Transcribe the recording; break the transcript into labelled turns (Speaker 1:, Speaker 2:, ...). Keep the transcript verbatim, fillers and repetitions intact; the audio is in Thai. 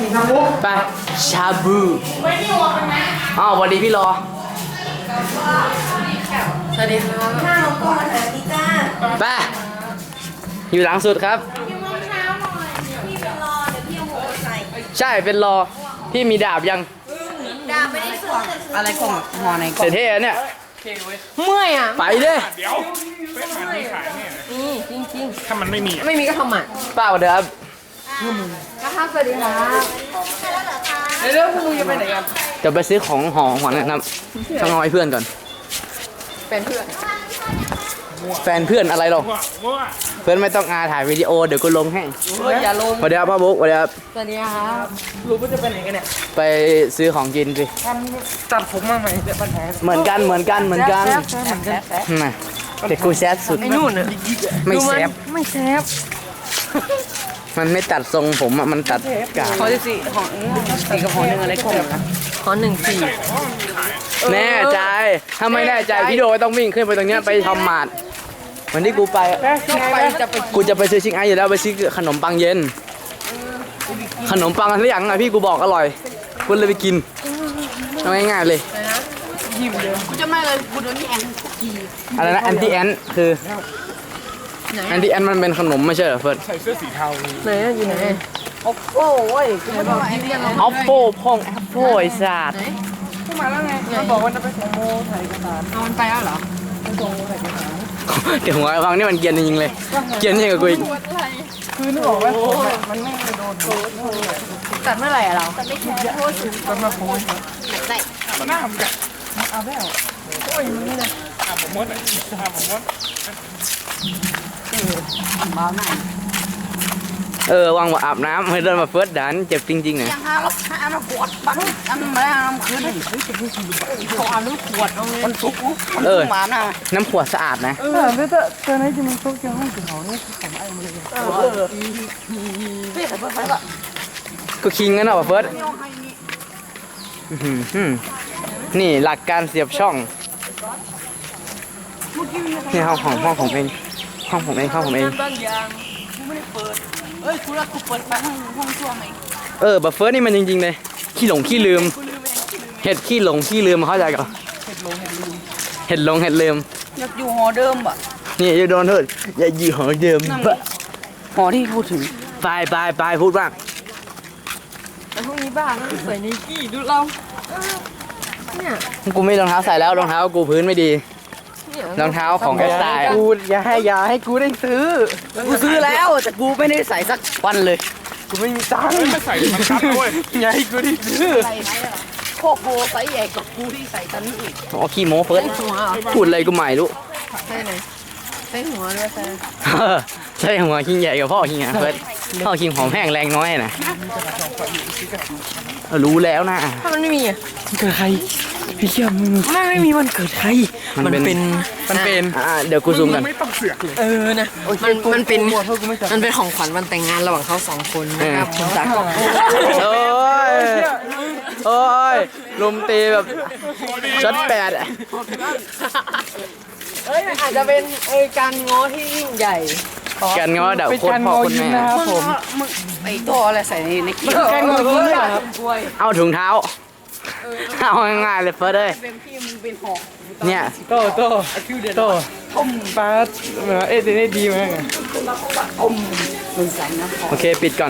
Speaker 1: ไปชาบูอ้าวสวัสดีพี่รอสวัสดีครับหน้าเราก่อนเลยพี่จ้าไปอยู่หลังสุดครับพี่มองเช้าหน่อยพี่เป็นรอเดี๋ยวพี่เอาหัวใส่ใช่เป็นรอพี่มีดาบยัง
Speaker 2: ดาบไม่ได้สวมอะไรกล่องห่อในกล่อง
Speaker 1: เท่ๆเนี่ย
Speaker 2: เมื่อยอ่ะ
Speaker 1: ไปเด้
Speaker 3: เดี๋ยวเฟซมันมีขายเนี่ย
Speaker 2: นี่จริง
Speaker 3: ๆถ้ามันไม่มี
Speaker 2: ไม่มีก็ทำอ่ะ
Speaker 1: ป้าเดี๋ยวครับ
Speaker 2: นะคะสวัสดีครับเรื่องคุณลุงจะไปไหนกัน
Speaker 1: จะไปซื้อของหอมก่อนนะครับต้องเอาให้เพื่อนก่อน
Speaker 2: แฟนเพื่อน
Speaker 1: แฟนเพื่อนอะไรหรอเพื่อนไม่ต้องอาถ่ายวิดีโอเดี๋ยวกูลงให้
Speaker 2: อย่าลง
Speaker 1: สวัสดีครับพ่อบุ๊กสวัสดีครับ
Speaker 2: สวัสดีครับรู้ว่าจะไปไหนกันเนี่ย
Speaker 1: ไปซื้อของกินสิ
Speaker 2: ตัดผมมาใหม่จะปัญหา
Speaker 1: เหมือนกันเหมือนกันเหมือนกันน่ะแต่กูแซดสุด
Speaker 2: ไอ้นู่นน่ะ
Speaker 1: ไม่แซบ
Speaker 2: ไม่แซบ
Speaker 1: มันไม่ตัดทรงผมอ่ะมันตัดกา
Speaker 2: ขอสี่ของสี่กับของหนึ่งอะไรกล่องนะขอหนึ่งสี่
Speaker 1: แน่ใจถ้าไม่แน่ใจพี่โดต้องวิ่งขึ้นไปตรงเนี้ยไปทำหมาดวันที่กูไปกูจะไปซื้อชิงไออยู่แล้วไปซื้อขนมปังเย็นขนมปังอะไรอย่างอ่ะพี่กูบอกอร่อยกูเลยไปกินเอาง่ายๆเลย
Speaker 2: กูจะไม่เลยกูโดนนี่แอน
Speaker 1: อะไรนะแอนตี้แอนคือแอนตี้แอนมันเป็นขนมไม่ใช่เหรอเฟิร์ส
Speaker 3: ใส่เสื้อสีเทา
Speaker 2: ไหนอยู่ไหนโอ้โหเว้ยกูไม่ต้องแอนตี้แอน
Speaker 1: ออฟโฟพองแอปโฟไอ้สัตว์
Speaker 2: กูมาแล้วไงมันบอกว่าจะไปส่งโมถ่ายเอกสารเอามันไปแล้วเหรอไปส่งโมถ่ายเอกสาร
Speaker 1: เดี๋ยวหัวฟังนี่มันเกียนจริงๆเลยเกียนยิ่งกว่ากูอีก
Speaker 2: คือนึกออกไหมมันไม่โดนตัดเมื่อไหร่อะเราตัดไม่แค่โทษสูงตัดมาโพสใส่
Speaker 3: มันหน้ามันแบบ
Speaker 2: เอาแล้วโอ้ยนี่นะ
Speaker 3: อาผมมดอาผมมด
Speaker 2: บ้าไหน
Speaker 1: เออวางว่าอาบน้ำให้เดินมาเฟิร์สดันเจ็บจริงๆเนี่ย
Speaker 2: ยังหาเราหาเราปวดปังอันไม่ได้น้ำคืนเลยเขาเอาน้ำขวดเอาเลยมันทุกมันทุกหมาน่ะ
Speaker 1: น้ำขวดสะอาดนะ
Speaker 2: เออไม่ต้องเจอไหนจะมันทุกอย่างห้องถึงเขาเนี่ยของไอ้มาเลยเออเฮ้ยไปไปละ
Speaker 1: ก็คิงกันเหรอเฟิร์สนี่หลักการเสียบช่องนี่ห้องของห้องผมเองห้องผมเองห้องผมเอง
Speaker 2: เอ้ยคุณรักกูเปิดไปห้องห้องช่วงไหน
Speaker 1: เออบัฟเฟิร์สนี่มันจริงๆเลยขี้หลงขี้ลืมเห็ดขี้หลงขี้ลืมเข้าใจก่อนเห็ดหลงเห็ดลืม
Speaker 2: อยากอยู่หอเดิมบ่
Speaker 1: นี่อย่าโดนเถิดอย่าอยู่หอเดิมบะ
Speaker 2: หอที่พูดถึง
Speaker 1: ไปไปไปพูดบ้าง
Speaker 2: แต่พวกนี้บ้าใส่ไนกี้ดูเราเนี่ย
Speaker 1: กูไม่รองเท้าใส่แล้วรองเท้ากูพื้นไม่ดีรองเท้าของแอสไตล์
Speaker 2: กูอย่าให้อย่าให้กูได้ซื้อกูซื้อแล้วแต่กูไม่ได้ใส่สักวันเลยกูไม่มีตังค์
Speaker 3: ไม่ใส่มันชัดด้วย
Speaker 2: อย่าให้กูได้ซื้อโคโบไซส์ใหญ่กับกูที่ใส่ตอนนี้อีก
Speaker 1: อ๋อขี้โม้เฟิร์สพูดอะไรกูใหม่รู้
Speaker 2: ใช่ไหมใส่หัวด้วยใช่
Speaker 1: ใช่หัวขี้ใหญ่กับพ่อขี้เฟิร์สพ่อขี้หอมแห้งแรงน้อยนะรู้แล้วนะ
Speaker 2: ถ้ามันไม่มีอ่ะ
Speaker 1: เกิดใครพี่เชื่อมึง
Speaker 2: ไม่ไม่มีมันเกิดใครมันเป็น
Speaker 1: มันเป็นอ่าเดี๋ยวกูซูมกัน
Speaker 3: ไม่ต้องเสือกเลย
Speaker 2: เออนะมันมันเป็นมันเป็นของขวัญวันแต่งงานระหว่างเขาสองคนนะครับผมจากกล่อง
Speaker 1: โอ้ยโอ้ยลมตีแบบช็อตแปดอ่ะ
Speaker 2: เอ้ยอาจจะเป็นไอการง้อที่ยิ่งใหญ่
Speaker 1: การง้อเดาโคตรพ่อคนแม่
Speaker 2: ครับผมไอตัวอะไรใส่ในในกี้การง้อยิ้มด้วยครับ
Speaker 1: เอาถุงเท้าเอาง่ายๆเลยเฟิร์สเลยเนี่ย
Speaker 3: โตโตโตต้มปลาเหมือนเอ๊ะได้ดีมาก
Speaker 1: โอเคปิดก่อน